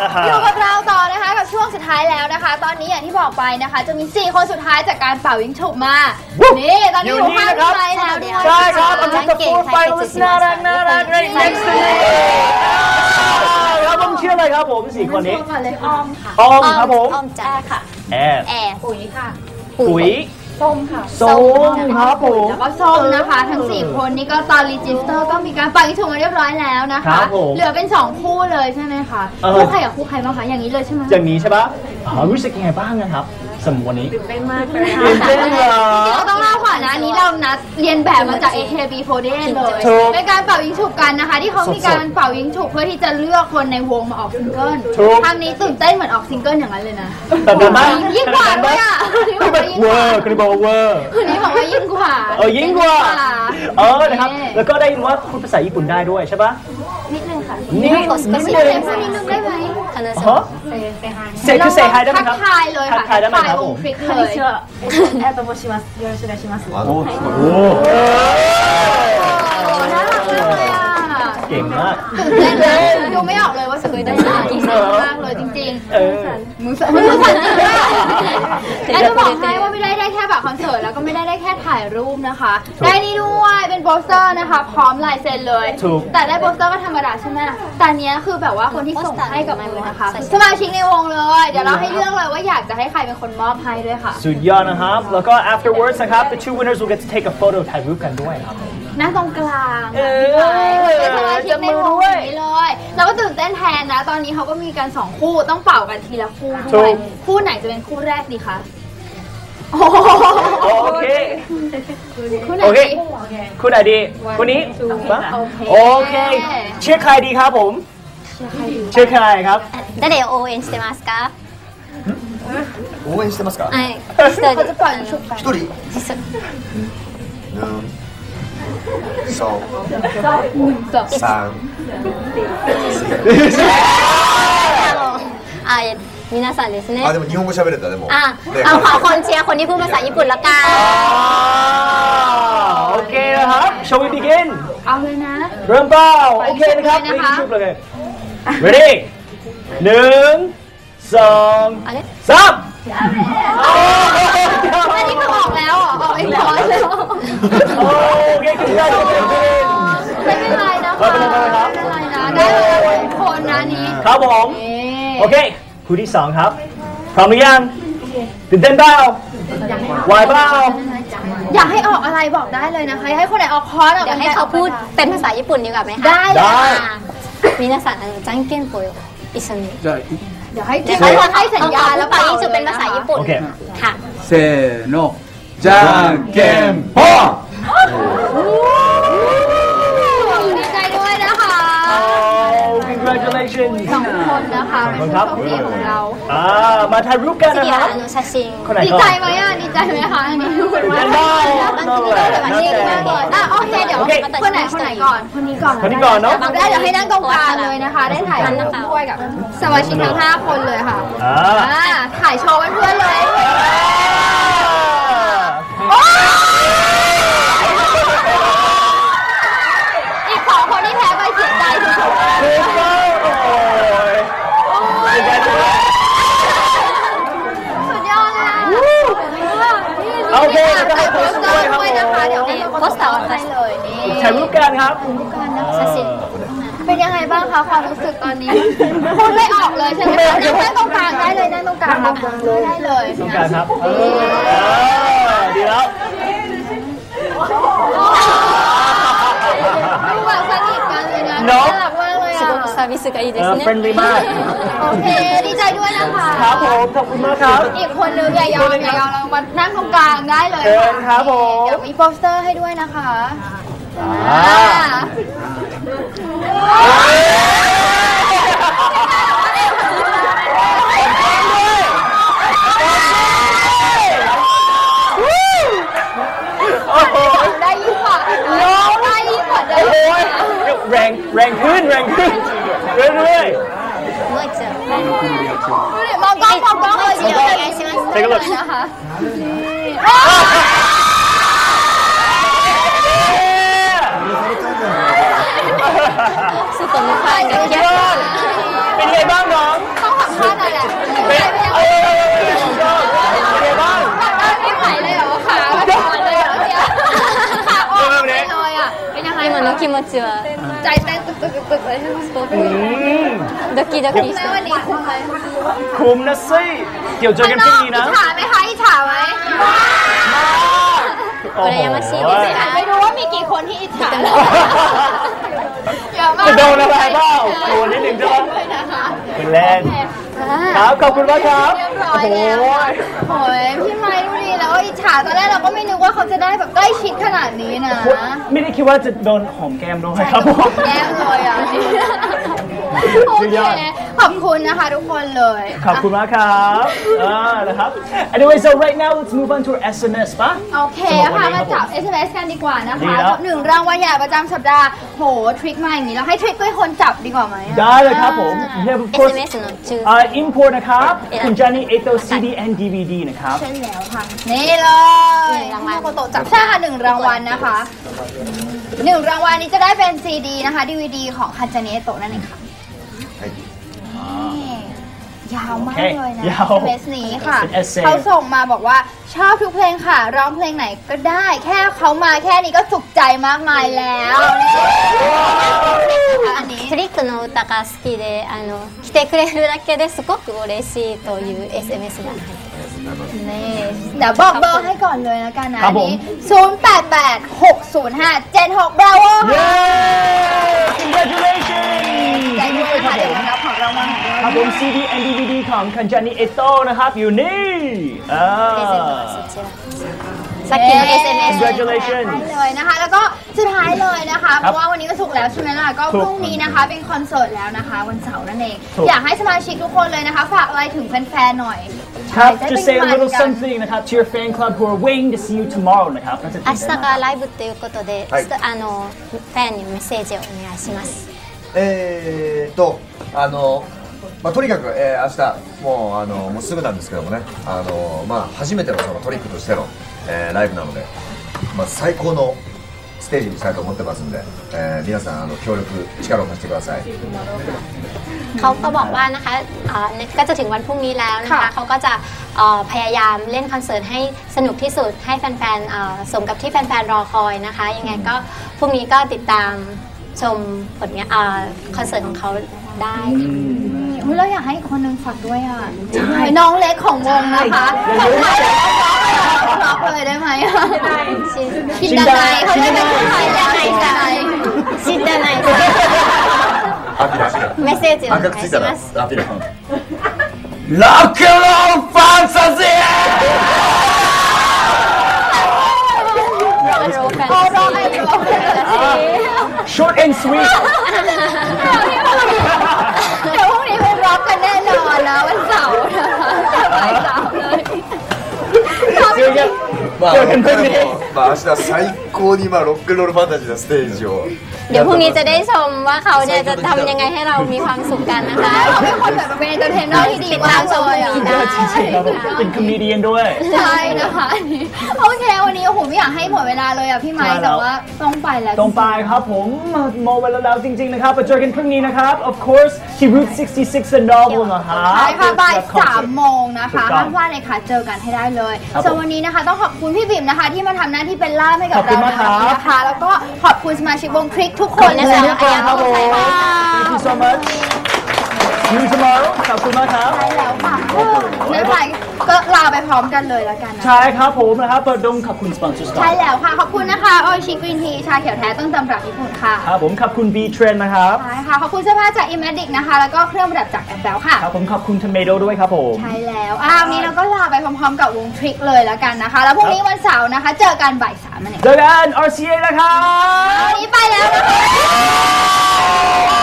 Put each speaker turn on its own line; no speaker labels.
อยู่กับเราต่อนะคะกับช่วงสุดท้ายแล้วนะคะตอนนี้อย่างที่บอกไปนะคะจะมี4คนสุดท้ายจากการเป่ายิงฉุบมานี่ตอนนี้อยู่ข้างใครแล้วใช่ครับอันนี้คือ4 finalists น่ารักright next to me
ครับผมชื่ออะไรครับผม4คนนี้
อ้อมค่ะ
อ้อมครับผม
อ้อมจ้าค่ะ
แอร์
ปุ๋ยค่ะ
ปุ๋ย
ส้มค่ะ
ส้มครับผม
แล้วก็ส้มนะคะทั้ง4คนนี้ก็ตอนรีจิสเตอร์ก็มีการเป่ายิงฉุบมาเรียบร้อยแล้วนะคะเหลือเป็น2คู่เลยใช่ไหมคะคู่ใครกับคู่ใครบ้างคะอย่างนี้เลยใช่ไหม
อย่างนี้ใช่ปะรู้สึกยังไงบ้างนะครับสำหรับวันนี้
ตื่นเต้นมากเลย
ตื่นเต้นเหรอ
จริงๆเราต้องเล่าก่อนนะอันนี้เรานัดเรียนแบบมาจาก AKB48 เลยเป็นการเป่ายิงฉุบกันนะคะที่เขามีการเป่ายิงฉุบเพื่อที่จะเลือกคนในวงมาออกซิงเกิลครั้งนี้ตื่นเต้นเหมือนออกซิงเกิลอย่างนั้นเลยนะ
แต่ดูมาก
ยิ่งกว่าด้วยอ่ะ
คือแบบเวอร์คือบอกว่าเวอร์
คนนี้บอกว่ายิ่งกว่า
ยิ่งกว่านะครับแล้วก็ได้ยินว่าพูดภาษาญี่ปุ่นได้ด้วยใช่ปะ
นิดนึงค่ะ
นิดนึง
ได้ไหม
เซคือเซไฮได้ไหมครับ
ทักทายเลยค่ะ
ทักทายได้ไหมครับผม
คลิกเลยแอตโตโมชิมัสよろしくお願いします
โอ้
น่ารักเลยอ่ะ
เก่งมาก
ตื่นเต้นเลยดูไม่ออกเลยว่าเคยได้ยินมากเลยจริงๆมือสั่นแล้วจะบอกให้ว่าไม่ได้แค่แบบคอนเสิร์ตแล้วก็ไม่ได้แค่ถ่ายรูปนะคะได้นี่ด้วยเป็นโปสเตอร์นะคะพร้อมลายเซ็นเลยแต่ได้โปสเตอร์ก็ธรรมดาใช่ไหมแต่เนี้ยคือแบบว่าคนที่ส่งให้กับมือนะคะสมาชิกในวงเลยเดี๋ยวเราให้เลือกเลยว่าอยากจะให้ใครเป็นคนมอบให้ด้วยค่ะ
สุดยอดนะครับแล้วก็ afterwards นะครับ the two winners will get to take a photo ถ่ายรูปกันด้วยครับ
นั่งตรงกลางเป็นสมาชิกในวงนี้เลยเราก็ตื่นเต้นแทนนะตอนนี้เขาก็มีกัน2คู่ต้องเป่ากันทีละคู่ด้วยคู่ไหนจะเป็นคู่แรกดีคะ
โอเค
คู่ไหนดี
คู่ไหนดีคู่นี้โอเคเชื่อใครดีครับผมเชื่อใครครับ
誰を応援してますか
応援してますか
はい
เขาจะปล่อยชุบ
一人そう三
皆さんですね
でも日本語喋れたでも
เอาขอคนเชียร์คนที่พูดภาษาญี่ปุ่นละกัน
โอเคนะครับ shall we begin
เอาเลยนะ
เริ่มเป้าโอเคนะครับไปชุบเลย ready 1 2 3
อันนี้คือออกแล้วออกเองร้อยเลย
โอเคขึ้นได้ไม่
เป็นไรนะคะไม่เป็นไรนะได้เลยคนนะนี้
ครับผมโอเคคู่ที่2ครับพร้อมหรือยังตื่นเต้นเปล่าไหวเปล่า
อยากให้ออกอะไรบอกได้เลยนะคะให้คนไหนออกคอร์ส
เดี๋ยวให้เขาพูดเป็นภาษาญี่ปุ่นดีกว่าไหมคะ
ได้
皆さんじゃんけんぽん一緒に
เดี๋ยวให้สัญญาแล้ว
เป่ายิงฉุบเป็นภาษาญี่ปุ่นค่ะ
せーのじゃんけんぽん
ดีใจด้วยนะคะ
congratulations
2 คนนะคะเป็นผู้โชคดีของเรา
มาถ่ายรูปกันนะครับ
ดีใจไหมดีใจไหมคะอันนี้ดูเป็นว่าดีมากเลยโอเคเดี๋ยวคนไหนก่อนคนนี้ก่อน
เนาะ
ได้เดี๋ยวให้นั่งตรงกลางเลยนะคะได้ถ่ายรูปด้วยกับสมาชิกทั้ง5 คนเลยค่ะถ่ายโชว์เพื่อนเลยอีก2 คนที่แพ้ไปเสียใจสุดๆสุดยอดเลย
โอเคจะให้โพสต์
ด้วยนะคะเดี๋ยวให้โพสต์ให้เลยนี่
ถ่ายรูปกันครับ
เป็นยังไงบ้างคะความรู้สึกตอนนี้พูดไม่ออกเลยใช่ไหมคะนั่งตรงกลางได้เลยนั่งตรงกลางได้เลย
ตรงกลางครับดีแล้ว
ดูแบบสนิทกันเลยนะน่ารักมากเลย
サービスがいいですね
friendly มาก
โอเคดีใจด้วยนะคะ
ครับผมขอบคุณมากครับ
อีกคนนึงอย่ายอมเรามานั่งตรงกลางได้เลย
ครับผม
เดี๋ยวมีโปสเตอร์ให้ด้วยนะคะได้ยิ่งกว่าได้ยิ่งกว่าเดิม
แรงขึ้นเรื่อย
มองกล้องเลยเดี๋ยว
お願いします
Take a look
นะคะ
外のファンが
เป็นไงบ้างน้อง
ขอแหละ
เป็นไงบ้าง
ไม่ไหวเลยเหรอขาอ่อนเลยเหรอเนี่ยขาอ่อนเลยอ่ะเป็นยังไง
今の気持ちは
ใจเต้นตึกๆเลยใช่ไหม
ドキドキし
แม่
て
วันนี้คุ้มไหม
คุ้มนะสิเดี๋ยวเจอกันพรุ่งนี้นะ
อิจฉาไหมคะอิจฉาไหม
羨ましいですか
ไม่รู้ว่ามีกี่คนที่อิจฉาเยอะมาก
จะโดนอะไรเปล่าโดนนิดหนึ่งใช่ไหม
ด้วยนะคะ
เป็นเล่นครับขอบคุณมากครับ
เรียบร้อยแล้วโอ้ยพี่ไม้ดูดีแล้วอิจฉาตอนแรกเราก็ไม่นึกว่าเขาจะได้แบบใกล้ชิดขนาดนี้นะ
ไม่ได้คิดว่าจะโดนหอมแก้มด้วยครับผม
แก้มเลยอ่ะโอเคขอบคุณนะคะทุกคนเลย
ขอบคุณมากครับนะครับ anyway so right now let's move on to our SMS ป่ะ
โอเคค่ะมาจับ SMS กันดีกว่านะ
ดี
คะ
แล้ว
กับ1รางวัลใหญ่ประจำสัปดาห์โหทริคมาอย่างนี้เราให้ทริคด้วยคนจับดีกว่าไหม
ได้เลยครับผม we have of course
SMS の中
import นะครับคุณจานี่เอโต CD and DVD นะครับ
ใช่แล้วค่ะนี่เลย
1รางวัล
โคโตะจับใช่ค่ะ1รางวัลนะคะ1รางวัลนี้จะได้เป็น CD นะคะ DVD ของคันจานิเอโตะนั่นเองค่ะนี่ยาวมากเลยนะ
ยาว
SMS นี้ค่ะ
เป็น essay
เขาส่งมาบอกว่าชอบทุกเพลงค่ะ ร้องเพลงไหนก็ได้ แค่เขามาแค่นี้ก็สุขใจมากมายแล้วอันนี้
トリックの歌が好きで来てくれるだけですごく嬉しいという SMS が入ってます
นี่เดี๋ยวบอกเบอร์ให้ก่อนเลยแล้วกันนะครับ
ผม
นี่08860576 Bravo
เย้
ค่ะ
congratulations
ใจด้วยนะคะเดี๋ยวมารับของรางวัลของ
ครั
เรา
บผม CD and DVD ของคันจานิเอโตนะครับอยู่นี่
プレゼントはそちらさっきの SMS
congratulations
ได้เลยนะคะ แล้วก็สุดท้ายเลยนะคะ เพ
ครับ
ราะว่าวันนี้ก็สุกร์แล้วใช่ไหมล่ะ ก็
ถูก
พรุ่งนี้นะคะ เป็นคอนเสิร์ตแล้วนะคะ วันเสาร์นั่นเอง
ถูก
อยากให้สมาชิกทุกคนเลยนะคะ ฝากอะไรถึงแฟนๆหน่อย
ครับ
ได้
just say a
เป็น
little
กัน
something นะครับ to your fan club who are waiting to see you tomorrow นะครับน่าจะตื่น
明
เต้น
日
มาก
がライブっていうことで、
はい
ファンにメッセージをお願いします
とにかく、明日もうすぐなんですけどもね、初めてのそのトリックとしての、ライブなので、最高のステージにしたいと思ってますんで、皆さん協力力を貸してください。
เขาก็บอกว่านะคะก็จะถึงวันพรุ่งนี้แล้วนะคะ
ค่ะ
เขาก็จะพยายามเล่นคอนเสิร์ตให้สนุกที่สุดให้แฟนๆสมกับที่แฟนๆรอคอยนะคะยังไงก็พรุ่งนี้ก็ติดตามชมผลงานคอนเสิร์ตของเขาได้ค่ะ
อุ๊ยเราอยากให้อีกคนนึงฝากด้วยอ่ะน้องเล็กของวงนะคะฝากเลยได้ไหมชินดาไนเขาเรียกเป็นคนไทยแล้วชินดาไน
知らない
アピラ
メッセージをお願いします
アピラ
Rock and roll fantasy
รู้กัน
โอ้ร้องไอ้ร้อง
short and sweet
เดี๋ยวพรุ่งนี้ไปร็อกกันแน่นอนนะวันเสาร์นะคะวันเสาร์เลย
เจอกันเจอกันพรุ่งนี้
明日最高にロックンロールファンタジーなステージを
เดี๋ยวพรุ่งนี้จะได้ชมว่าเขาเนี่ยจะทำยังไงให้เรามีความสุขกันนะคะ
เขาเป็นคนแบบเป็นเอนเตอร์เทนเนอร์ที่ดี
ติด
มา
ตาม
ก
ชม
เลย
พรุ่ง
อ่ะ
นี้ได้
จริงๆครับผมเป็นคอมเมเดียนด้วย
ใช่นะคะโอเควันนี้โอ้โหไม่อยากให้หมดเวลาเลยอ่ะพี่ไม้
ใช่แล้ว
แต่ว่าต้องไปแล้ว
ตรงไปครับผมโมเวลาแล้วจริงๆนะครับไปเจอกันพรุ่งนี้นะครับ of course ที่ Route 66 The Novel นะครับ
ใช่ค่ะบ่าย
กับคอนเสิร์ต
3 โมงนะคะ
ถูกต้อง
ห้ามพลาดเลยค่ะเจอกันให้ได้เลย
ครับผม
ส่วนวันนี้นะคะต้องขอบคุณพี่บิ่มนะคะ ที่มาทำหน้าที่เป็นล่ามให้กับ
ขอบคุ
เรา
ณมากครับ
นะคะแล้วก็ขอบคุณสมาชิกวงคลิกทุกคน
ขอบ
นะ
คุณ
คะ
ทุกคนครับผม thank you so much see you tomorrow ขอบคุณมากครับ
ใช่แล้วค่ะไม่เป็นไรก็ลาไปพร้อมกันเลยแล้วกันนะ
ใช่ครับผมนะครับเปิดดงขอบคุณสปอนเซอร์ก่อน
ใช่แล้วค่ะขอบคุณนะคะโอชิกรีนทีชาเขียวแท้ต้นตำรับญี่ปุ่นค่ะ
ครับผมขอบคุณ B Trend นะครับ
ใช่ค่ะขอบคุณเสื้อผ้าจาก Imagic นะคะแล้วก็เครื่องประดับจากแอปเปิลค่ะ
ครับผมขอบคุณ Tomato ด้วยครับผม
ใช่แล้ววันนี้เราก็ลาไปพร้อมๆกับวงทริกเลยแล้วกันนะคะ แล้วพรุ่งนี้วันเสาร์นะคะ เจอกันบ่าย 3 นั่นเอง
เจอกัน RCA นะครับ
วันนี้ไปแล้วนะคะ